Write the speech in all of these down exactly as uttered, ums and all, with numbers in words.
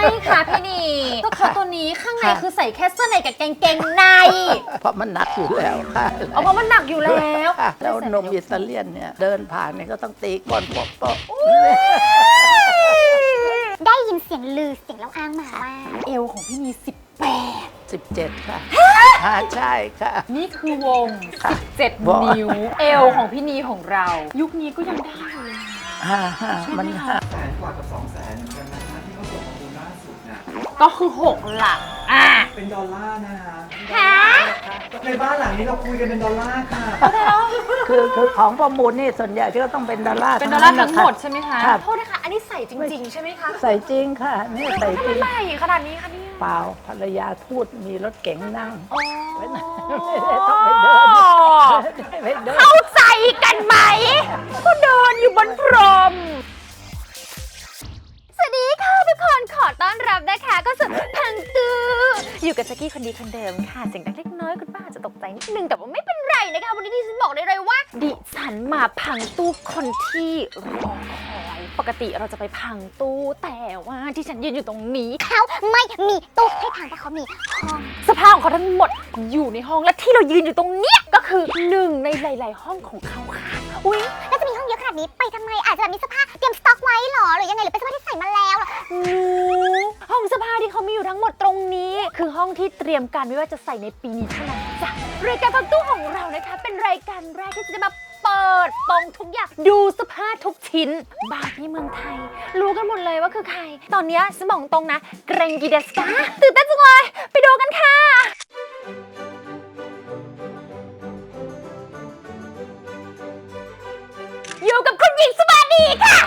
ค่ะพี่นีก็เขาตัวนี้ข้างในคือใส่แค่เสื้อในกับกางเกงในเพราะมันหนักอยู่แล้วค่ะเอาเพราะมันหนักอยู่แล้วแล้วนมอิตาเลียนเนี่ยเดินผ่านเนี่ยก็ต้องตีก้อนปอกปอกได้ยินเสียงลือเสียงเล่าอ้างมาว่าเอวของพี่นีสิบแปดสิบเจ็ดค่ะใช่ค่ะนี่คือวงสิบเจ็ดนิ้วเอวของพี่นีของเรายุคนี้ก็ยังได้อยู่เลยฮ่าฮ่ามันฮ่าแสนกว่ากับสองแสนเหมือนกันนะคะที่เขาส่งข้อมูลล่าสุดนะก็คือหกหลักอ่ะเป็นดอลลาร์นะคะฮะในบ้านหลังนี้เราคุยกันเป็นดอลลาร์ค่ะคือคือของประมูลนี่ส่วนใหญ่ก็ต้องเป็นดอลลาร์เป็นดอลลาร์ทั้งหมดใช่ไหมคะครับโทษนะคะอันนี้ใส่จริงๆใช่ไหมคะใส่จริงค่ะนี่ใส่จริงใส่ขนาดนี้คะนี่เปล่าภรรยาทูตมีรถเก๋งนั่งไม่ได้ต้องไปเดินเข้าใจกันไหมก็เดินอยู่บนพรมสวัสดีค่ะทุกคนขอต้อนรับนะคะก็สุดพังตูอยู่กับแจ็คกี้คนดีคนเดิมค่ะเสียงดังเล็กน้อยคุณป้าจะตกใจนิดนึงแต่ว่าไม่เป็นไรนะคะวันนี้ดิฉันบอกได้เลยว่าดิฉันมาพังตู้คนที่รอคอยปกติเราจะไปพังตู้แต่ว่าที่ฉันยืนอยู่ตรงนี้เขาไม่มีตู้ให้พังเพราะเขามีห้องสภาพของเขาทั้งหมดอยู่ในห้องและที่เรายืนอยู่ตรงเนี้ยก็คือหนึ่งในหลายๆห้องของเขาค่ะอุ๊ยแล้วจะมีห้องเยอะขนาดนี้ไปทำไมอาจจะแบบมีเสื้อผ้าเตรียมสต็อกไว้หรอหรือยังไงหรือเป็นเสื้อผ้าที่ใส่มาแล้วหรอห้องเสื้อผ้าที่เขามีอยู่ทั้งหมดตรงนี้คือห้องที่เตรียมการไม่ว่าจะใส่ในปีนี้เท่านั้นจ้ะรายการพังตู้ของเรานะคะเป็นรายการแรกที่จะมาเปิดปองทุกอย่างดูเสื้อผ้าทุกชิ้นบางที่เมืองไทยรู้กันหมดเลยว่าคือใครตอนนี้สมองตรงนะเกรงกีเดสกาตื่นเต้นจังเลยไปดูกันค่ะอยู่กับคุณหญิงสวัสดีค่ะ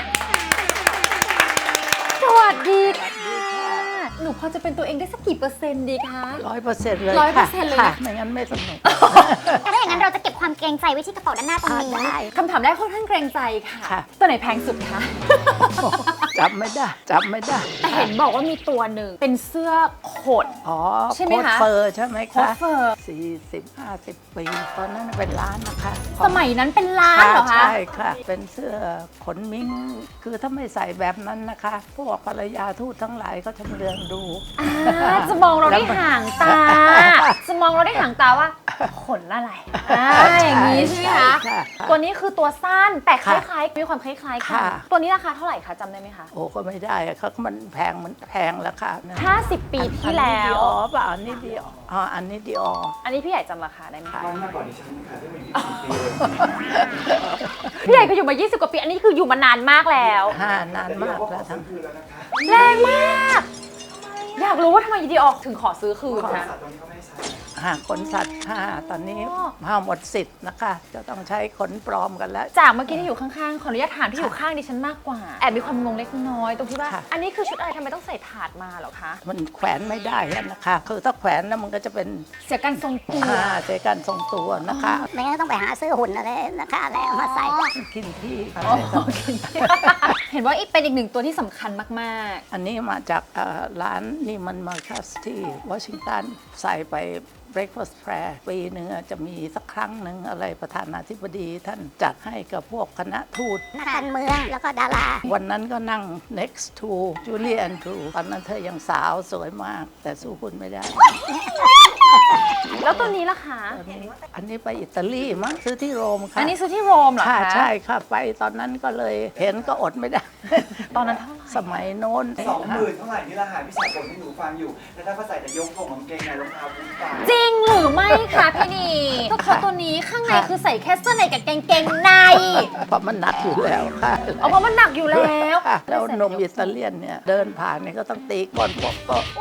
สวัสดีค่ะหนูพอจะเป็นตัวเองได้สักกี่เปอร์เซ็นต์ดีคะร้อยเปอร์เซ็นต์เลยร้อยเปอร์เซ็นต์เลยค่ะไม่งั้นไม่สนุกถ้าอย่างนั้นเราจะเก็บความเกรงใจไว้ที่กระเป๋าด้านหน้าตรงนี้คำถามแรกค่อนข้างเกรงใจค่ะตัวไหนแพงสุดคะจำไม่ได้จำไม่ได้แต่เห็นบอกว่ามีตัวหนึ่งเป็นเสื้อขดอ๋อใช่ไหมคะโค้ทเฟอร์ใช่ไหมคะโค้ทเฟอร์สี่สิบห้าสิบปีตอนนั้นเป็นร้านนะคะสมัยนั้นเป็นร้านเหรอคะใช่ค่ะเป็นเสื้อขนมิ้งคือถ้าไม่ใส่แบบนั้นนะคะพวกภรรยาทูตทั้งหลายก็จะเลืองดูจะมองเราได้ห่างตาจะมองเราได้ห่างตาว่าขนอะไรอย่างนี้ใช่ไหมคะตัวนี้คือตัวสั้นแต่คล้ายๆมีความคล้ายๆกันตัวนี้ราคาเท่าไหร่คะจำได้ไหมคะโอ้ก็ไม่ได้เขามันแพงมันแพงแล้วค่ะห้าสิบปีที่แล้วอ๋อเปล่าอันนี้ดีอ๋ออันนี้ดีอ๋ออันนี้พี่ใหญ่จำราคาได้ไหมคะมากกว่าดิฉันค่ะที่มาอยู่ยี่สิบปีพี่ใหญ่ก็อยู่มายี่สิบกว่าปีอันนี้คืออยู่มานานมากแล้วนานมากแล้วทั้งคืนแล้วนะคะแรงมากอยากรู้ว่าทำไมดีออกถึงขอซื้อคืนคะหากขนสัตว์ค่ะตอนนี้ห้าหมดสิทธิ์นะคะจะต้องใช้ขนปลอมกันแล้วจากเมื่อกี้ที่อยู่ข้างๆขออนุญาตถามที่อยู่ข้างดิฉันมากกว่าแอบมีความงงเล็กน้อยตรงที่ว่าอันนี้คือชุดอะไรทำไมต้องใส่ถาดมาหรอคะมันแขวนไม่ได้นะคะคือถ้าแขวนแล้วมันก็จะเป็นเสียการทรงตัวเสียการทรงตัวนะคะไม่งั้นต้องไปหาซื้อหุ่นอะไรนะคะอะไรมาใส่กินที่เห็นว่าเป็นอีกหนึ่งตัวที่สำคัญมากๆอันนี้มาจากร้านนี่มันมาคัสที่วอชิงตันใส่ไปbreakfast prayer ปีหนึ่งจะมีสักครั้งหนึ่งอะไรประธานาธิบดีท่านจัดให้กับพวกคณะทูตนักการเมืองแล้วก็ดาราวันนั้นก็นั่ง next to Julie Andrews ตอนนั้นเธอยังสาวสวยมากแต่สู้คุณไม่ได้แล้วตัวนี้ล่ะคะอันนี้ไปอิตาลีมั้งซื้อที่โรมค่ะอันนี้ซื้อที่โรมเหรอคะใช่ค่ะไปตอนนั้นก็เลยเห็นก็อดไม่ได้ตอนนั้นเท่าไหร่สมัยโน้นสองหมื่นเท่าไหร่นี่ละหาพี่สาวคนที่หนูฟังอยู่แต่ถ้าเขาใส่แต่ยกทงกางเกงในรองเท้าบูทจริงหรือไม่คะพี่นีก็เขาตัวนี้ข้างในคือใส่แค่เสื้อในกับกางเกงในเพราะมันหนักอยู่แล้วค่ะเอาเพราะมันหนักอยู่แล้วแล้วนมอิตาเลียนเนี่ยเดินผ่านเนี่ยก็ต้องตีก้อนปอกปอก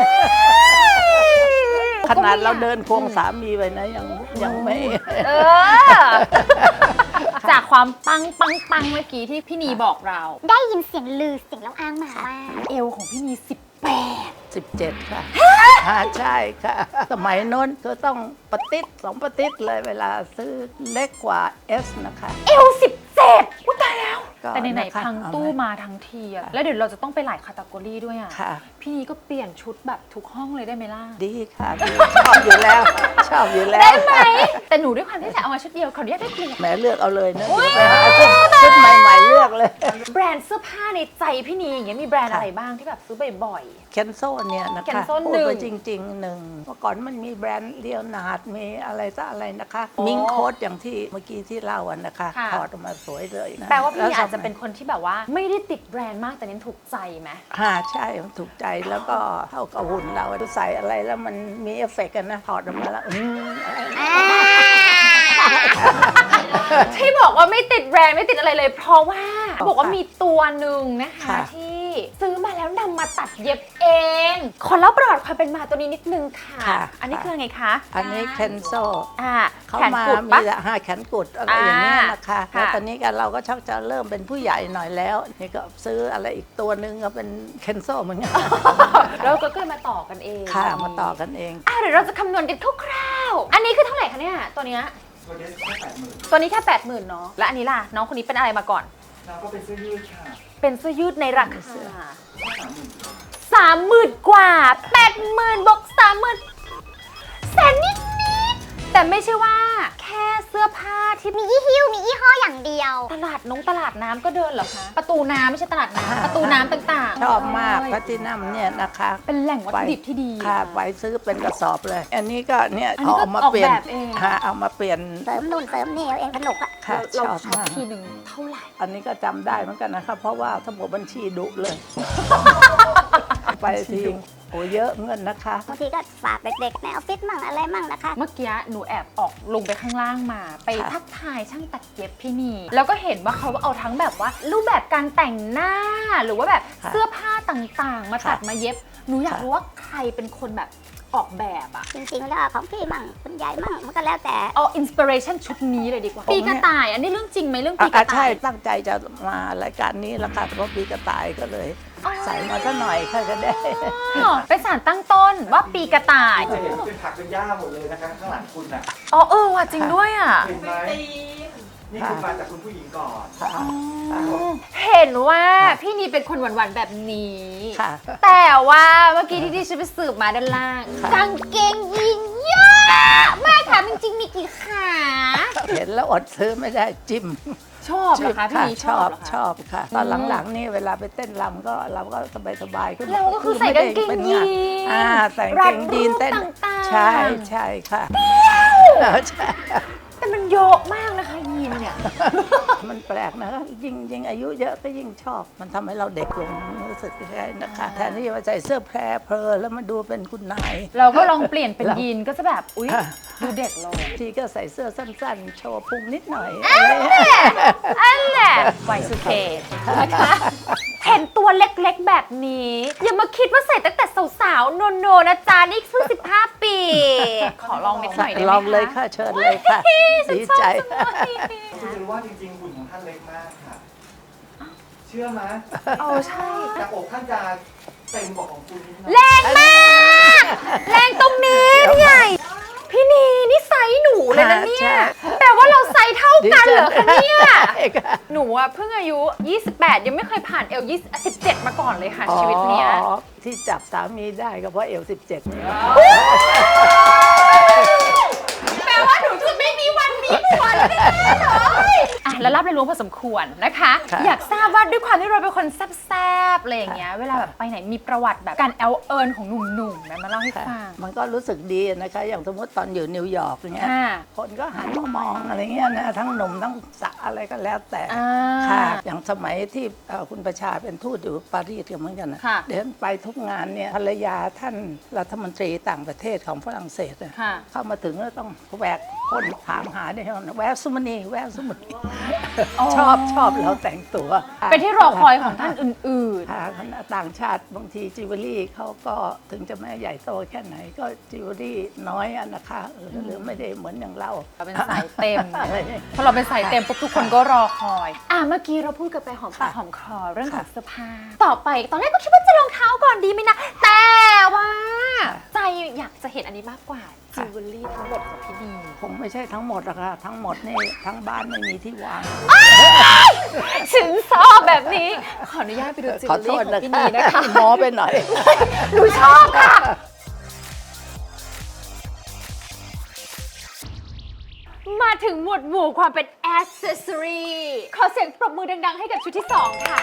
ขนาดเราเดินควงสามีไปนะยังยังไม่เออจากความปังปังปังเมื่อกี้ที่พี่นีบอกเราได้ยินเสียงลือเสียงเล่าอ้างมาว่าเอวของพี่นีสิบแปดสิบเจ็ดค่ะใช่ค่ะสมัยโน้นก็ต้องปะติดสองปะติดเลยเวลาซื้อเล็กกว่า S นะคะเอวสิบเจ็ดจ็ดอุ๊ยตายแล้วก็แต่ในๆนะคะพังตู้มาทั้งทีอะแล้วเดี๋ยวเราจะต้องไปหลายคาตากรีด้วยอะค่ะพี่นีก็เปลี่ยนชุดแบบทุกห้องเลยได้ไหมล่ะดีค่ะดีชอบอยู่แล้ว ชอบอยู่แล้วได้ไหมแต่หนูด้วยความที่จะเอามาชุดเดียวขออนุญาตได้เปลี่ยนแหมเลือกเอาเลยนะเดี๋ยวไปหาชุดชุดใหม่ๆเลือกเลยแบรนด์เสื้อผ้าในใจพี่นีอย่างเงี้ยมีแบรนด์อะไรบ้างที่แบบซื้อบ่อยเคนโซเนี่ยนะคะ Kenzo พูดหนึ่งไปจริงๆหนึ่งเมื่อก่อนมันมีแบรนด์เลียวนาร์ดมีอะไรซะอะไรนะคะ มิงโค้ดอย่างที่เมื่อกี้ที่เล่าอะนะคะค่ะถอดออกมาสวยเลยนะๆแปลว่าพี่นีล้อาจจะเป็นคนที่แบบว่า ไม่ได้ติดแบรนด์มากแต่เน้นถูกใจไหมฮ่าใช่มันถูกใจแล้วก็เท่ากับหุ่นเราใส่อะไรแล้วมันมีเอฟเฟกต์กันนะถอดออกมาแล้วอืมอะไรที่บอกว่าไม่ติดแบรนด์ไม่ติดอะไรเลย เพราะว่าบอกว่ามีตัวหนึ่งนะคะค่ะที่ซื้อมาแล้วนำมาตัดเย็บเอง ขอเล่าประวัติความเป็นมาตัวนี้นิดนึงค่ะค่ะอันนี้คือไงคะอันนี้เคนโซอ่าเขาแขนมากุดมีปะแต่ห้าแขนกุดอะไรอย่างเงี้ยนะคะอ่าแล้วค่ะตอนนี้กันเราก็ชักจะเริ่มเป็นผู้ใหญ่หน่อยแล้ว นี่ก็ซื้ออะไรอีกตัวหนึ่งก็เป็นเคนโซเหมือนกันแล้วก็เลยมาต่อกันเองค่ะมาต่อกันเองอ่ะเดี๋ยวเราจะคำนวณกันคร่าวๆอันนี้คือเท่าไหร่คะเนี่ยตัวเนี้ยตัวนี้แค่แปดหมื่นตัวนี้แค่แปดหมื่นเนาะและอันนี้ล่ะน้องคนนี้เป็นอะไรมาก่อนเราก็เป็นเสื้อยืดค่ะเป็นเสื้อยืดในราคาสามหมื่นสามหมื่นกว่าแปดหมื่นบวกสามหมื่นแสนนิดนิดๆแต่ไม่ใช่ว่าแค่เสื้อผ้าที่มียี่หิ้วมียี่ห้ออย่างเดียวตลาดนงตลาดน้ำก็เดินเหรอคะประตูน้ำไม่ใช่ตลาดน้ำประตูน้ำต่างๆชอบมากเลยแพลตินัมเนี่ยนะคะเป็นแหล่งวัตถุดิบที่ดีค่ะไปซื้อเป็นกระสอบเลย อันนี้ก็เนี่ยอันนี้เอาก็เอามาออกเปลี่ยนแบบเองค่ะเอามาเปลี่ยนเสริมนู่นเสริมนี่เอาเองสนุกอะค่ะเราชอบช็อปมากทีหนึ่งเท่าไหร่อันนี้ก็จำได้เหมือนกันนะคะเพราะว่าสมุดบัญชีดุเลย ไปทีโอ้เยอะเงินนะคะบางทีก็ฝากเด็กๆในออฟฟิศมั่งอะไรมั่งนะคะเมื่อกี้หนูแอบออกลงไปข้างล่างมา ไปค่ะทักทายช่างตัดเย็บพี่นีแล้วก็เห็นว่าเขาเอาทั้งแบบว่า รูปแบบการแต่งหน้า หรือว่าแบบค่ะเสื้อผ้าต่างๆ มาตัดค่ะมาเย็บ หนูอยากค่ะรู้ว่าใครเป็นคนแบบออกแบบอะจริงๆแล้วของพี่มั่งคุณยายมั่งมันก็แล้วแต่เอาอินสปิเรชันชุดนี้เลยดีกว่า ปีกระต่าย อันนี้เรื่องจริงไหมเรื่องปีกอ่ะระต่าใช่ยตั้งใจจะมารายการนี้แล้วค่ะเพราะปีกระต่ายก็เลยอ๋อใส่มาซะหน่อยค่ะก็ได้อ๋อเป็นสารตั้งต้นว่าปีกระต่ายจะเห็นเป็นผักเป็นหญ้าหมดเลยนะคะข้างหลังคุณน่ะอ๋อเออว่ะจริงด้วยอะเห็นไหมนี่คือมาจากคุณผู้หญิงก่อนค่ะเห็นว่าพี่นีเป็นคนหวานๆแบบนี้ค่ะแต่ว่าเมื่อกี้ที่ดิฉันไปสืบมาด้านล่างค่ะกางเกงยีนเยอะมากค่ะจริงๆมีกี่ขาเห็นแล้วอดซื้อไม่ได้จิ้มชอบเหรอคะพี่นีชชออบบเหรอคะชอบค่ะ ตอนหลังๆนี่เวลาไปเต้นรำก็เราก็สบายๆขึ้นเราก็คือใส่กางเกงป็นยีนอ่าใส่กางเกงยีนเต้นรัดรูปต่างๆใช่ใช่ค่ะใช่แต่มันเยอะมากนะคะยีนเนี่ยมันแปลกนะยิ่งยิ่งอายุเยอะก็ยิ่งชอบ มันทำให้เราเด็กลงรู้สึกใช่นะคะแทนที่จะใส่เสื้อแพรเพลอแล้วมาดูเป็นคุณนายเราก็ลองเปลี่ยนเป็นเรายีนก็จะแบบอุ๊ยค่ะดูเด็กลงทีก็ใส่เสื้อสั้นๆ โชว์พุงนิดหน่อยอันแหละไวสุเคนะคะเห็นตัวเล็กๆแบบนี้ อย่ามาคิดว่าใส่ตั้งแต่สาวๆ โนโนนะจ๊ะนี่เพิ่งสิบห้าปี ขอลองนิดหน่อยได้ไหมคะลองเลยค่ะเชิญเลยค่ะฉันดีชอบใจจังเลยคุณจะรู้ว่าจริงๆหุ่นของท่านเล็กมากค่ะ เชื่อไหมโอ้ใช่แต่อกท่านจะเต็มกว่าของคุณนิดหน่อยแรงมาก แรงตรงนี้พี่ใหญ่ พี่นีนี่ไซส์หนูเลยนะเนี่ใช่ยแปลว่าเราไซส์เท่ากันเหรอคะเนี่ยใช่ค่ะหนูอะเพิ่งอายุ ยี่สิบแปด ยังไม่เคยผ่านเอลสิบเจ็ดมาก่อนเลยค่ะชีวิตเนี้ยอ๋อที่จับสามีได้ก็เพราะเอลสิบเจ็ดนี่แปลว่าหนูจะไม่มีวันมีผัวแน่ๆเลยอ่ะแล้วรับเรียนรู้พอสมควรนะคะค่ะอยากทราบว่าด้วยความที่เราเป็นคนแซ่บๆอะไรอย่างเงี้ยเวลาแบบไปไหนมีประวัติแบบการแอลเอิญของหนุ่มๆไหมมาเล่าให้ค่ะฟังมันก็รู้สึกดีนะคะ อย่างสมมติตอนอยู่นิวยอร์กอย่างเงี้ยค่ะคนก็หันมามองอะไรเงี้ยนะทั้งหนุ่มทั้งสาวอะไรก็แล้วแต่อ่าค่ะอย่างสมัยที่เอ่อคุณประชาเป็นทูตอยู่ปารีสก็เหมือนกันนะค่ะเดินไปทุกงานเนี่ยภรรยาท่านรัฐมนตรีต่างประเทศของฝรั่งเศสน่ะค่ะเข้ามาถึงก็ต้องแหวกคนถามหาเนี่ยแววสุมณีแววสุมณีอ๋อชอบชอบเราแต่งตัวเป็นที่รอคอยของท่านอื่นค่ะคณะต่างชาติบางทีจิวเวลรี่เขาก็ถึงจะไม่ใหญ่โตแค่ไหนก็จิวเวลรี่น้อยอะนะคะเออหรือไม่ได้เหมือนอย่างเราๆเราเป็นสายเต็มอะไรเนี่ยพอเราเป็นสายเต็มปุ๊บทุกคนก็รอคอย อ่ะเมื่อกี้เราพูดกันไปหอมปากค่ะหอมคอเรื่องของค่ะเสื้อผ้า ต่อไปตอนแรกก็คิดว่าจะรองเท้าก่อนดีไหมนะ แต่ว่า ใจอยากจะเห็นอันนี้มากกว่าจิวเวลรี่ทั้งหมดของพี่นีคงไม่ใช่ทั้งหมดหรอกค่ะทั้งหมดนี่ทั้งบ้านไม่มีที่วางสินสอดแบบนี้ ขออนุญาตไปดูจิวขอเวลโทรี่ษของนะพี่คะนีนะคะหมอไปหน่อยหนูชอบค่ะ มาถึงหมวดหมู่ความเป็น accessory ขอเสียงปรบมือดังๆ ให้กับชุดที่ สอง ค่ะ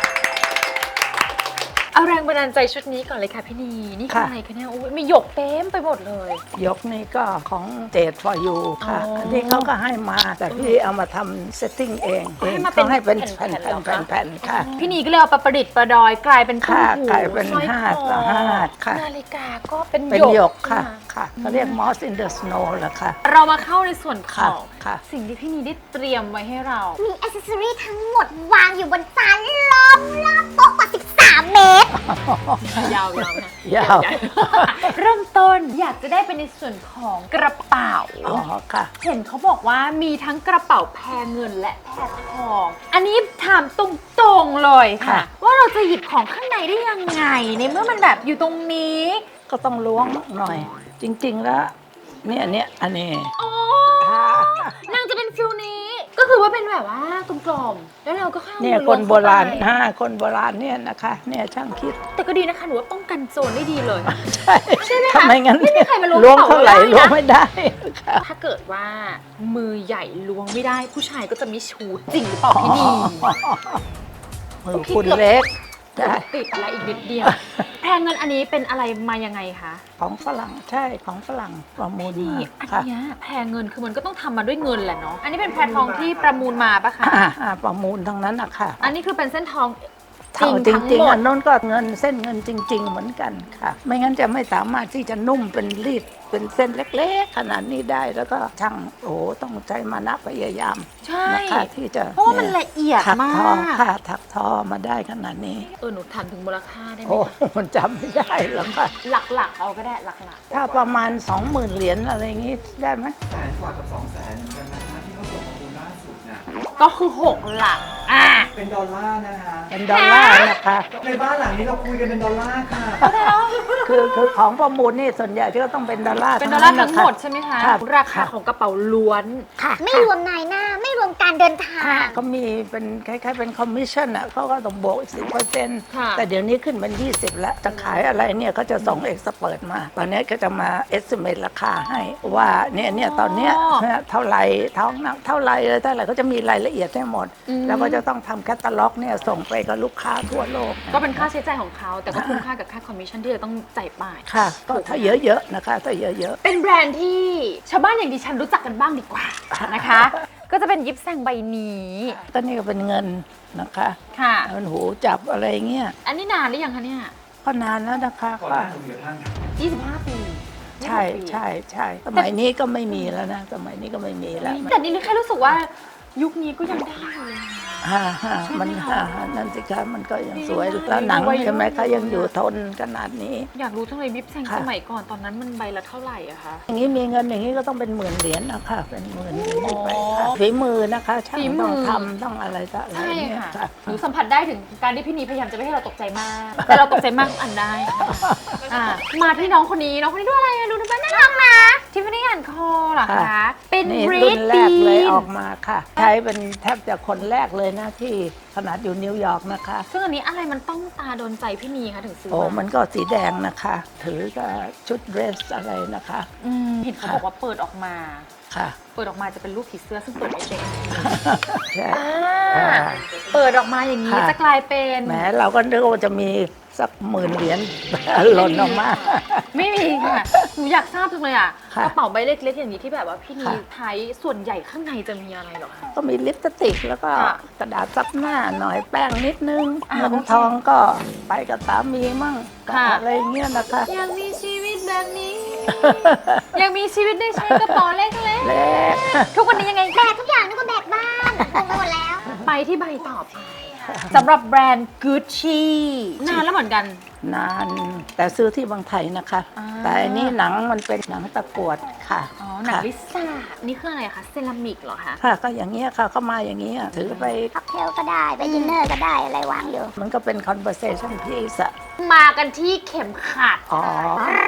เอาแรงบันดาลใจชุดนี้ก่อนเลยค่ะพี่นี นี่คือค่ะอะไรคะเนี่ยโอ้ยมีหยกเต็มไปหมดเลยยกนี่ก็ของ Date for You ค่ะอ๋ออัอันนี้เขาก็ให้มาแต่พี่เอามาทำเซตติ้งเองให้มาเป็นเขาให้เป็นแผ่แผ่นนๆเหรอคะๆแผ่นๆค่ะพี่นีก็เลยเอาประดิษฐ์ประดอยกลายเป็นตุ้มค่ะหูกลายเป็นสร้อยห้าคอต่อห้าค่ะนาฬิกาก็เป็นเป็นหยกหยกค่ะนค่ะเขาเรียก Moss in the Snow แหละค่ะเรามาเข้าในส่วนขค่ะองค่ะสิ่งที่พี่นีได้เตรียมไว้ให้เรามีอ c เซสซอรี่ทั้งหมดวางอยู่บนจานล้อมรอบโต๊ะกว่า สิบสาม เมตรยาวๆนะยาวเริ่มต้นอยากจะได้เป็นในส่วนของกระเป๋าอ๋อค่ะเห็นเขาบอกว่ามีทั้งกระเป๋าแพรเงินและแพรทอง อันนี้ถามตรงๆเลยค่ะค่ะว่าเราจะหยิบของข้างในได้ยังไง ในเมื่อมันแบบอยู่ตรงนี้ก็ต้องล้วงหน่อย จริงๆแล้วเนี่ยเนี่ยอันนี้อ๋อค่ะนางจะเป็นฟิลนี้ ก็คือว่าเป็นแบบว่ากลมๆแล้วเราก็เข้าเนี่ยมือคนโบราณล้วงเข้าไปห้าคนโบราณเนี่ยนะคะเนี่ยช่างคิดแต่ก็ดีนะคะหนูว่าป้องกันโจรได้ดีเลยใช่ใช่ไหมคะทำไมงั้นไม่มีใครมาล้วงล้วงกระเป๋าเท่าไหร่ได้นะล้วงไม่ได้ค่ะถ้าเกิดว่ามือใหญ่ล้วงไม่ได้ ผู้ชายก็จะไม่ชูจริงหรือเปล่าพี่นีมือคุณเล็กใช่ติดอะไรอีกนิดเดียว แพรเงินอันนี้เป็นอะไรมายังไงคะของฝรั่งใช่ของฝรั่งประมูลนี่มาอันค่ะเนี้ยแพรเงินคือมันก็ต้องทำมาด้วยเงินแหละเนาะอันนี้เป็นแพรทองที่ประมูลมาปะคะอ่าอ่าประมูลทั้งนั้นนะคะอันนี้คือเป็นเส้นทองเท่าจจริงทั้งริงหมๆดอันนู้นก็เงินเส้นเงินจริง ๆ เหมือนกันค่ะ ไม่งั้นจะไม่สามารถที่จะนุ่มเป็นรีดเป็นเส้นเล็กๆ ขนาดนี้ได้แล้วก็ช่างโอ้โหต้องใช้มานะพยายามใช่นะคะที่จะเพราะว่ามันละเอียดถักมาทอก ค่ะถักทอมาได้ขนาดนี้เออหนูถามถึงมูลค่าได้ไหมโอ้คะมันจำไม่ได้หรอกค่ะหลักๆเอาก็ได้หลักถ้าประมาณสองหมื่นเหรียญอะไรอย่างงี้ได้ไหมแสนกว่ากับสองแสนเหมือนกันนะคะที่เขาส่งมาดูล่าสุดน่ะๆก็คือหกหลักอ่ะเป็นดอลลาร์นะคะเป็นดอลลาร์นะคะในบ้านหลังนี้เราคุยกันเป็นดอลลาร์ค่ะคือคือของประมูลนี่ส่วนใหญ่ก็ต้องเป็นดอลลาร์เป็นดอลลาร์ทั้งหมดะคะใช่ไหมคะค่ะราคาของกระเป๋าล้วนค่ะไม่รวมนายหน้า ไม่รวมการเดินทางเขามีเป็นคล้ายๆเป็นคอมมิชชั่นอ่ะเขาก็ต้องบวกอีกสิบเปอร์เซ็นต์ค่ะแต่เดี๋ยวนี้ขึ้นเป็นยี่สิบแล้ว จะขายอะไรเนี่ยเขาจะส่งเอ็กซ์เปิดมา ตอนนี้ก็จะมาเอสเม e ราคาให้ว่าเนี่ยเนี่ยตอนเนี้ยเท่าไหร่ท้องหนักเท่าไหร่เลยเท่าไหร่ก็จะมีรายละเอียดให้หมด แล้วก็จะต้องทำแคตตาล็อกเนี่ยส่งไปกับลูกค้าทั่วโลกก็เป็นค่าใช้จ่ายของเขา แต่ก็คุ้มค่ากับค่าคอมมิชชั่นที่จะต้องจ่ายไปค่ะก็ถ้าเยอะๆนะคะถ้าเยอะเป็นแบรนด์ที่ชาวบ้านอย่างดิฉันรู้จักกันบ้างดีกว่านะคะ ก็จะเป็นยิปแซงใบนี้ๆก็นี่ก็เป็นเงินนะคะค่ะเงินหูจับอะไรเงี้ยอันนี้นานหรือยังคะเนี่ยก็นานแล้วนะคะก่อนหก็น้าคุณเดือดท่านยี่สิบห้าปีใช่ใช่ใช่สมัยนี้ก็ไม่มีแล้วนะสมัยนี้ก็ไม่มีแล้วแต่นี่แค่รู้สึกว่ายุคนี้ก็ยังได้อยู่เลยฮ่าฮ่ามันฮ่าฮ่านั่นสิคะมันก็ยังสวยแล้วหนังใช่ไหมคะยังอยู่ทนขนาดนี้อยากรู้จังเลยยิปแซงค่ะสมัยก่อนตอนนั้นมันใบละเท่าไหร่อะคะอย่างนี้มีเงินอย่างนี้ก็ต้องเป็นหมื่นเหรียญนะคะเป็นหมื่นเหรียญขึ้นไปค่ะอ๋อฝีมือนะคะช่างฝีมือต้องทำต้องอะไรต่ออะไรใช่เนี่ยค่ะค่ะหนูสัมผัสได้ถึงการที่พี่นีพยายามจะไม่ให้เราตกใจมาก แต่เราตกใจมากอันได้อ่ะมาที่น้องคนนี้น้องคนนี้ด้วยอะไรอะดูดูบ้านน่ารักนะทิฟฟานี่อ่านคอเหรอคะค่ะเป็นนี่บรีรุ่ดนแรบีกเลยอนอกมาค่ะ ใช้เป็นแทบจะคนแรกเลยนะที่ขนาดอยู่นิวยอร์กนะคะซึ่งอันนี้อะไรมันต้องตาโดนใจพี่นีคะถึงซื้อโอ้มามันก็สีแดงนะคะ ถือกับชุดเดรสอะไรนะคะอืมเห็นเขาบอกว่าเปิดออกมาค่ะเปิดออกมาจะเป็นรูปผีเสื้อซึ่งเปิดไม่เป็นใช่อ่าอ่าเปิดออกมาอย่างนี้ค่ะจะกลายเป็นแหมเราก็นึกว่าจะมีสักหมื่นเหรียญ หล่นออกมาไม่มีค่ะหนูอยากทราบจังเลยอ่ะค่ะกระเป๋าใบเล็กๆอย่างนี้ที่แบบว่าพี่นีค่ะใช้ส่วนใหญ่ข้างในจะมีอะไรเหรอคะก็มีลิปสติกแล้วก็ค่ะกระดาษซับหน้าหน่อยแป้งนิดนึงอ่าเงินโอเคทองก็ไปกับสามีมั่งค่ะอะไรเงี้ยนะคะอยากมีชีวิตแบบนี้ อยากมีชีวิตได้ใช้กระเป๋าเล็กเล็กๆ ทุกวันนี้ยังไงแบกทุกอย่างนึกว่าแบกบ้านงงไปหมดแล้วไปที่ใบต่อไปสำหรับแบรนด์ Gucci นานแล้วเหมือนกันนานแต่ซื้อที่บางไทยนะคะอ่าแต่อันนี้หนังมันเป็นหนังตะกรวดค่ะอ๋อหนังค่ะลิซ่านี่คืออะไรคะเซรามิกเหรอคะค่ะก็อย่างเงี้ยค่ะเข้ามาอย่างเงี้ยถือไปค็อกเทลก็ได้ ไปดินเนอร์ก็ได้ อะไรวางอยู่มันก็เป็น conversation piece อะมากันที่เข็มขัดอ๋อรัด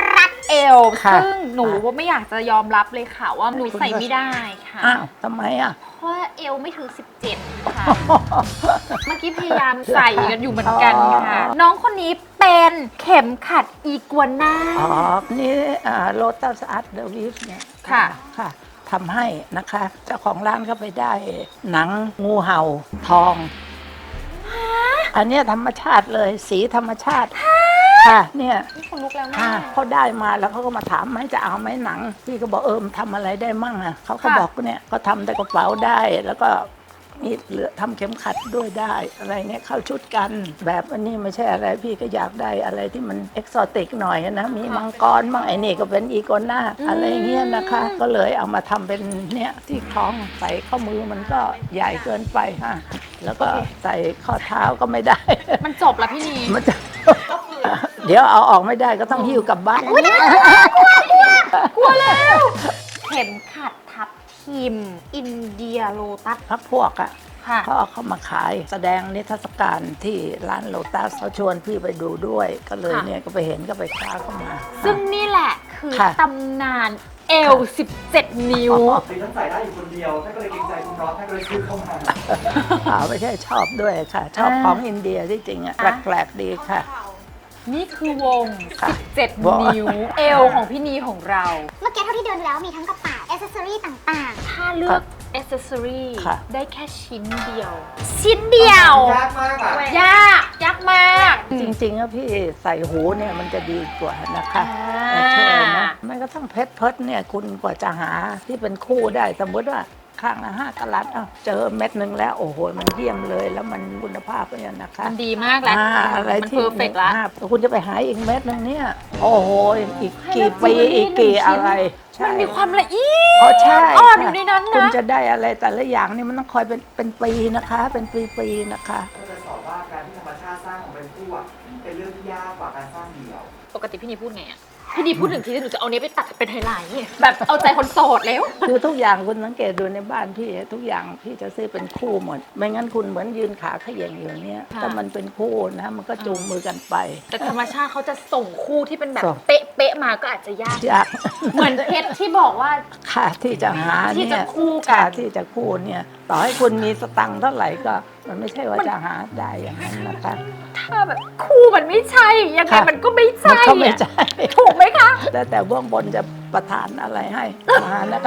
เอลค่ะซึ่งหนูว่าไม่อยากจะยอมรับเลยค่ะว่าหนูใส่ไม่ได้ค่ะอ้าวทำไมอ่ะเพราะว่าเอลไม่ถึง สิบเจ็ด ค่ะ เมื่อกี้พยายามใส่กันอยู่เหมือนกันค่ะอ๋อน้องคนนี้เป็นเข็มขัดอีกัวน่าอ๋อ นี่โลตัสอาร์ตเดอะวิฟเนี่ยค่ะค่ะทำให้นะคะ เจ้าของร้านก็ไปได้หนังงูเห่าทอง อันเนี้ยธรรมชาติเลยสีธรรมชาติ ค่ะเนี่ยนี่คนลุกแล้วนะค่ะเขาได้มาแล้วเขาก็มาถามไหมจะเอาไหมหนัง พี่ก็บอกเออมนทำอะไรได้มั่งอ่ะเขาก็ค่ะบอกเนี่ยก็ทำแต่กระเป๋าได้แล้วก็มีเหลือทำเข็มขัดด้วยได้อะไรเนี่ยเข้าชุดกัน แบบอันนี้ไม่ใช่อะไรพี่ก็อยากได้อะไรที่มันเอกซอติกหน่อยนะมีมังกรบ้างไอ้นี่ก็เป็นอีโกน่าอะไรเงี้ยนะคะ ก็เลยเอามาทำเป็นเนี่ยที่คล้องใส่ข้อมือมันก็ใหญ่เกินไปฮะแล้วก็ใส่ข้อเท้าก็ไม่ได้มันจบแล้วพี่นีมันจะ เดี๋ยวเอาออกไม่ได้ก็ต้องหิ้วกลับบ้านกลัวแล้ว เข็มขัดทับทิม อินเดียโลตัสพักพวกอ่ะค่ะเขาเอาเข้ามาขายแสดงนิทรรศการที่ร้านโลตัสเขาชวนพี่ไปดูด้วย ก็เลยค่ะเนี่ยก็ไปเห็นก็ไปคว้าเข้ามาซึ่งนี่แหละคือค่ะตำนานเอล สิบเจ็ด นิ้วคือท่านใส่ได้อยู่คนเดียวท่านก็เลยเกรงใจคุณน็อตท่านก็เลยซื้อเข้ามาอ่าไม่ใช่ชอบด้วยค่ะ ชอบอ่าของอินเดียที่จริงอ่ะอ่ะแปลกๆดีค่ะนี่คือวงค่ะสิบเจ็ดวงนิ้ว เอลของพี่นีของเราเมื่อกี้เท่าที่เดินดูแล้วมีทั้งกระเป๋าอ c เซสซอรี่ต่างถ้าเลือกอ c เซสซอรี่ค่ะได้แค่ชิ้นเดียว ชิ้นเดียวยากมากอ่ะยากยากมากจริงๆอะพี่ใส่หูเนี่ยมันจะดีกว่านะคะอ่าเชื่อนะแม้กระทั่งเพชรเพิร์ดเนี่ยคุณกว่าจะหาที่เป็นคู่ได้สมมติว่าข้างละห้ากะรัตเอ้าเจอเม็ดหนึ่งแล้วโอ้โหมันเยี่ยมเลยแล้วมันคุณภาพเนี่ยนะคะมันดีมากแล้วอ่าอะไรมันที่เพอร์เฟกต์ละอ่าคุณจะไปหาอีกเม็ดหนึงเนี่ยโอ้โหอีกกี่ปีให้เราอีกกี่หนึ่งชิ้นอะไรใช่มันมีความละเอียอ๋อใช่ดอ่อนอค่ะยู่ในนั้นคุณนะจะได้อะไรแต่ละอย่างนี่มันต้องคอยเป็นเป็นปีนะคะ เป็นปีๆนะคะก็จะสอนว่าการที่ธรรมชาติสร้างของเป็นคู่อะเป็นเรื่องที่ยากกว่าการสร้างเดี่ยวปกติพี่นีพูดไงอ่ะ พี่นีพูดถึงทีหนูจะเอาเนี้ยไปตัดเป็นไฮไลท์แบบเอาใจคนโสดแล้วคือทุกอย่างคุณสังเกตดูในบ้านพี่ทุกอย่างพี่จะซื้อเป็นคู่หมด ไม่งั้นคุณเหมือนยืนขาเขย่งอยู่เนี้ยค่ะถ้ามันเป็นคู่นะมันก็จูงมือกันไปแต่ธรรมชาติเขาจะส่งคู่ที่เป็นแบบส่งเป๊ะเป๊ะๆมาก็อาจจะยากยากเหมือนเพชรที่บอกว่าค่ะที่จะหาที่เนี่จะยคู่กันค่ะที่จะคู่เนี่ยต่อให้คุณมีสตังค์เท่าไหร่ก็มันไม่ใช่ว่าจะหาได้อย่างนั้นนะคะถ้าแบบคู่มันไม่ใช่ ยังไงค่ะมันก็ไม่มันใช่ก็ไม่อะใช่ถูกไหมคะแต่แต่เบื้องบนจะประทานอะไรให้มานะคะ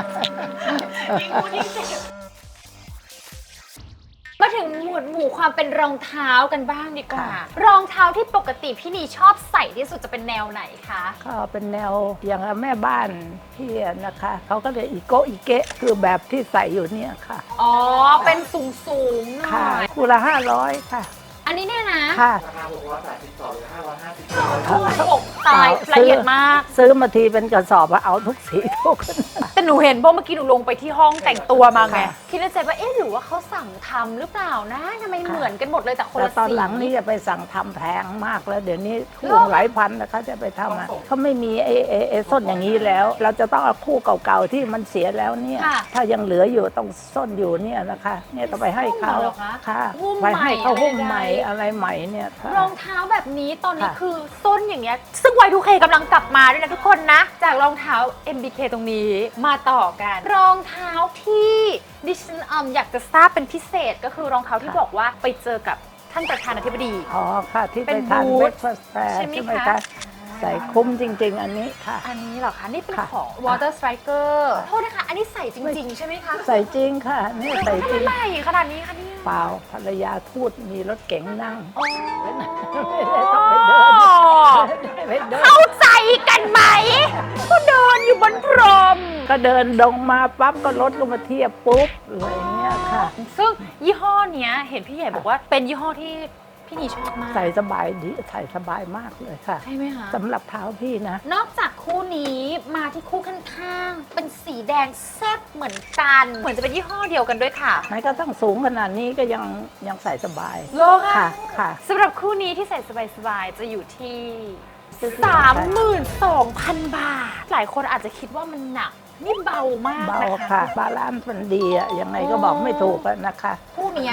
มาถึงหมวดหมู่ความเป็นรองเท้ากันบ้างดีกว่า รองเท้าที่ปกติพี่นีชอบใส่ที่สุดจะเป็นแนวไหนคะก็เป็นแนวอย่างแม่บ้านพี่นะคะเขาก็เลยอีโกอีเกะคือแบบที่ใส่อยู่เนี่ยค่ะอ๋อ เป็นสูงสูงๆหน่ค่ะอยคู่ละห้าร้อยค่ะอันนี้เนี่ยนะค่ะราคาหกร้อยแปดสิบสองหรือห้าร้อยห้าสิบคู่อกตายละเอียดมากซื้อมาทีเป็นกระสอบอะเอาทุกสีทุกแต่หนูเห็นเพราะเมื่อกี้หนูลงไปที่ห้องแต่งตัวมาไงค่ะคิดในใจว่าเอ๊ะหรือว่าเขาสั่งทำหรือเปล่านะทำไมค่ะเหมือนกันหมดเลยแต่คนแต่ละตอนสีหลังนี่จะไปสั่งทำแพงมากแล้ว เดี๋ยวนี้คู่เหรอหลายพันนะคะจะไปทำอะเขาไม่มีไอ้ไอ้ไอ้ส้นอย่างนี้แล้ว เราจะต้องเอาคู่เก่าๆที่มันเสียแล้วเนี่ยค่ะถ้ายังเหลืออยู่ต้องส้นอยู่เนี่ยนะคะ เนี่ยต้องไปให้เขาหุ้มเหรอคะค่ะหุ้มไปให้เขาใหม่หุ้มอะไรใหม่ใดๆอะไรใหม่เนี่ยค่ะรองเท้าแบบนี้ตอนนี้ค่ะคือส้นอย่างเงี้ยซึ่ง วาย ทู เค กำลังกลับมาด้วยนะทุกคนนะ จากรองเท้า เอ็ม บี เค ตรงนี้มาต่อกัน รองเท้าที่ดิฉันอืมอยากจะทราบเป็นพิเศษก็คือรองเท้าที่ค่ะบอกว่าไปเจอกับท่านประธานาธิบดีอ๋อค่ะ ที่เป็ไปนทานบูธเบรคฟาสต์แฟร์ใช่ไหมใช่ไหมคะคะใส่คุ้มจริง ๆ อันนี้ค่ะอันนี้เหรอคะนี่เป็นค่ะของ Water Striker โทษนะคะ อันนี้ใส่จริง ๆ ใช่ไหมคะใส่จริงค่ะนี่ใส่จริงทำไมใหม่ขนาดนี้คะเนี่ยเปล่าภรรยาทูตมีรถเก๋งนั่งอ๋อไม่ได้ต้องไปเดินไปเดินเข้าใจกันไหมก็เดินอยู่บนพรมก็เดินดงมาปั๊บก็รถก็มาเทียบปุ๊บอะไรอย่างเงี้ยค่ะซึ่งยี่ห้อเนี้ยเห็นพี่ใหญ่บอกว่าเป็นยี่ห้อที่พี่นีชอบมากใส่สบายดีใส่สบายมากเลยค่ะใช่ไหมคะสำหรับเท้าพี่นะนอกจากคู่นี้มาที่คู่ข้างๆ เป็นสีแดงแซ่บเหมือนกัน เหมือนจะเป็นยี่ห้อเดียวกันด้วยค่ะไหนก็ต้องสูงขนาดนี้ก็ยังยังใส่สบายโลค่ะค่ะค่ะสำหรับคู่นี้ที่ใส่สบายๆ จะอยู่ที่ซื้อสามหมื่นสองพัน บาท หลายคนอาจจะคิดว่ามันหนัก นี่เบามากเบานะคะค่ะ บาลานซ์มันดีอะยังไงก็บอกไม่ถูกอะนะคะคู่เนี้ย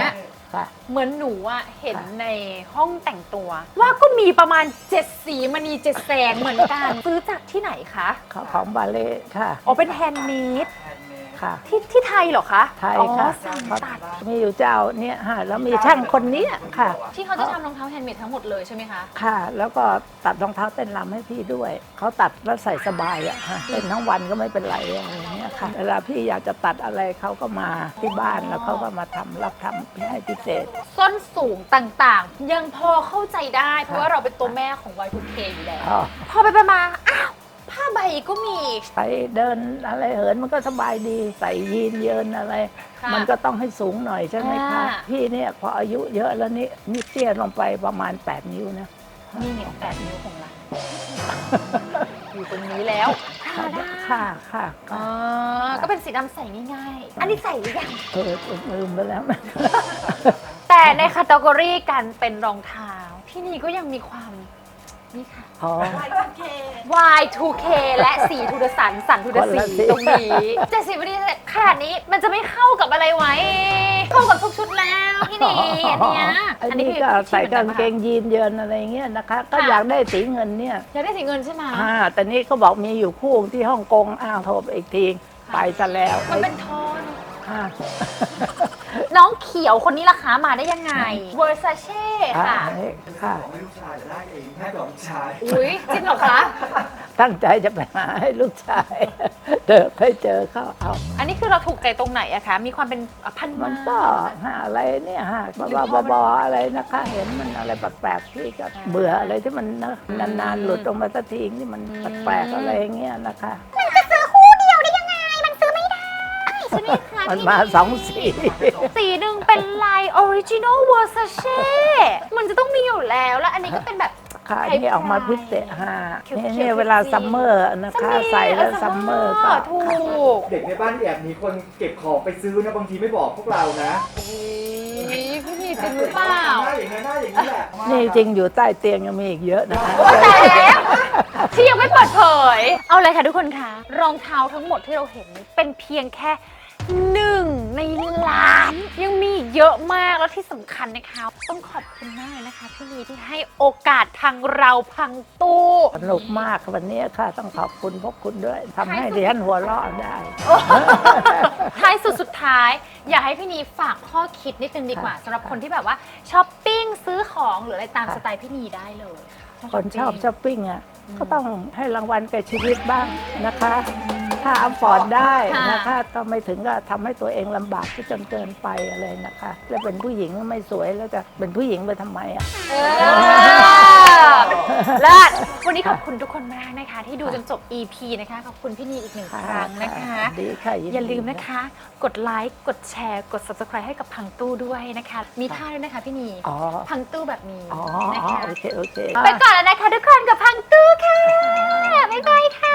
ค่ะเหมือนหนูอะเห็นค่ะในห้องแต่งตัว ว่าก็มีประมาณเจ็ดสีมณีเจ็ดแสงเหมือนกัน ซื้อจากที่ไหนคะของของบาเล่ค่ะอ๋อเป็นแฮนด์เมดแฮนด์เมดค่ะที่ที่ไทยเหรอคะไทยอ๋อค่ะสั่งตัดมีอยู่เจ้าเนี่ยฮะแล้วมีช่างคนเนี้ยค่ะที่เขาจะทำรองเท้าแฮนด์เมดทั้งหมดเลยใช่ไหมคะค่ะ แล้วก็ตัดรองเท้าเต้นรำให้พี่ด้วย เขาตัดแล้วใส่สบายอะฮะเต้นทั้งวันก็ไม่เป็นไรอะไรอย่างเงี้ยค่ะ เวลาพี่อยากจะตัดอะไรเขาก็มาที่บ้านแล้วเขาก็มาทำรับทำให้พิเศษส้นสูงต่างๆ ยังพอเข้าใจได้ เพราะว่าเราเป็นตัวแม่ของ วาย ทู เค อยู่แล้วอ๋อพอไปไปมาอ้าวผ้าใบก็มีไปเดินอะไรเหินมันก็สบายดี ใส่ยีนเยินอะไรค่ะมันก็ต้องให้สูงหน่อยใช่ไหมคะอ่าพี่เนี่ยพออายุเยอะแล้วนี่นี่เตี้ยลงไปประมาณ แปด นิ้วนะนี่ไงแปดนิ้วของเรา อยู่ตรงนี้แล้วธรรมดาค่ะค่ะอ๋ค่ะอก็เป็นสีดำใส่ง่ายๆ อันนี้ใส่หรือยังเออลืมไปแล้วนะแต่ในคัตเกอรี่การเป็นรองเท้า พี่นีก็ยังมีความนี่ค่ะอ๋อวาย ทู เค และสีทูดสันสันทูดคนละสีสีตรงนี้เจ็ดสิบวินาทีขนาดนี้มันจะไม่เข้ากับอะไรไว้ เข้ากับทุกชุดแล้วพี่นีอันเนี้ยอันนี้ก็ใส่กางเกงยีนเยินอะไรเงี้ยนะคะ ก็อยากได้สีเงินเนี่ยอยากได้สีเงินใช่ไหมอ่าแต่นี่ก็บอกมีอยู่คู่ที่ฮ่องกงอ้าวโทรไปอีกทีไปซะแล้วมันเป็นทอนอ่าน้องเขียวคนนี้ราคามาได้ยังไง Versace ค่ะค่ะของให้ลูกชายจะได้เองให้กับลูกชายอุ้ยจริงเหรอคะตั้งใจจะไปหาให้ลูกชาย เดินไปเจอเขาเอาอันนี้คือเราถูกใจตรงไหนอะคะ มีความเป็นพันมัไม้นก็หาอะไรเนี่ยฮะบ้าๆบอๆอะไรนะคะ เห็นมันอะไรแปลกๆพี่ก็เบื่ออะไรที่มันนะนานๆหลุดออกมาสักทีที่มันแปลกๆอะไรอย่างเงี้ยนะคะมันจะซื้อคู่เดียวได้ยังไง มันซื้อไม่ได้ใช่ไหมคะมันพี่มาสองสีสีหนึ่งเป็นลาย Original Versace มันจะต้องมีอยู่แล้ว แล้วอันนี้ก็เป็นแบบค่ะนี่ออกมาพิเศษฮะเขียวๆนี่เนี่ยเวลาซัมเมอร์นะคะใส่แล้วซัมเมอร์ก็ถูกเด็กในบ้านแอบมีคนเก็บของไปซื้อนะบางทีไม่บอกพวกเรานะอุ๊ยพี่นีจริงหรือเปล่าหน้าอย่างนี้หน้าอย่างนี้แหละนี่จริงอยู่ใต้เตียงยังมีอีกเยอะนะคะโอ้แต่แล้วที่ยังไม่เปิดเผย เอาเลยค่ะทุกคนคะรองเท้าทั้งหมดที่เราเห็นเป็นเพียงแค่หนึ่งในล้าน ยังมีอีกเยอะมากแล้วที่สำคัญนะคะต้องขอบคุณมากเลยนะคะพี่นีที่ให้โอกาสทางเราพังตู้สนุกมากวันนี้ค่ะต้องขอบคุณพวกคุณด้วยทำให้ดิฉันหัวเราะได้ท้ายสุดสุดท้าย อยากให้พี่นีฝากข้อคิดนิดนึงดีกว่าสำหรับคนที่แบบว่าช้อปปิ้งซื้อของหรืออะไรตามค่ะสไตล์พี่นีได้เลยคนชอบช้อปปิ้งอ่ะก็ต้องให้รางวัลแก่ชีวิตบ้างนะคะ ถ้าอัพฟอร์ดได้นะคะก็ไม่ถึงก็ทำให้ตัวเองลำบากที่จนเกินไปอะไรนะคะ แล้วเป็นผู้หญิงไม่สวยแล้วจะเป็นผู้หญิงไปทำไมอ่ะเออเลิศวันนี้ขอบคุณทุกคนมากนะคะ ที่ดูจนจบ อี พี นะคะ ขอบคุณพี่นีอีกหนึ่งครั้งนะคะดีค่ะนดีอย่าลืมนะคะ กดไลค์ กดแชร์ กด Subscribe ให้กับพังตู้ด้วยนะคะ มีท่าด้วยนะคะพี่นีอ๋อพังตู้แบบนี้อ๋อนะคะโอเคโอเคไปก่อนแล้วนะคะทุกคนกับพังตู้ค่ะ บ๊ายบายค่ะ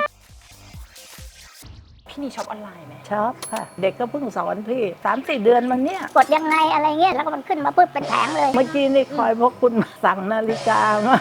พี่นีช็อปออนไลน์ไหมชอบค่ะ เด็กก็เพิ่งสอนพี่สามสี่เดือนมันเนี่ยกดยังไงอะไรเงี้ย แล้วก็มันขึ้นมาปุ๊บเป็นแผงเลยเมื่อกี้นี่คอยพวกคุณสั่งนาฬิกามา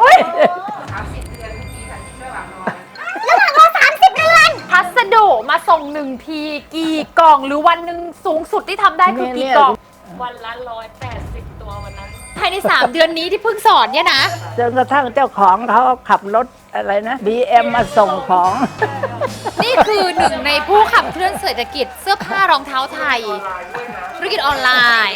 พัสดุมาส่งหนึ่งทีกี่กล่อง หรือวันหนึ่งสูงสุดที่ทำได้คือกี่กล่อง วันละร้อยแปดสิบตัววันนั้น ภายใน สาม เดือนนี้ที่เพิ่งสอนเนี่ยนะจนกระทั่งเจ้าของเขาขับรถอะไรนะ บี เอ็ม มาส่งของนี่คือหนึ่งในผู้ขับเคลื่อนเศรษฐกิจเสื้อผ้ารองเท้าไทย ธุรกิจออนไลน์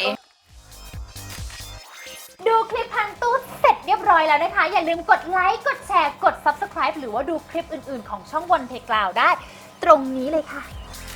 ดูคลิปพังตู้เสร็จเรียบร้อยแล้วนะคะ อย่าลืมกดไลค์ กดแชร์ กด Subscribe หรือว่าดูคลิปอื่นๆ ของช่องวันเพกล่าวได้ ตรงนี้เลยค่ะ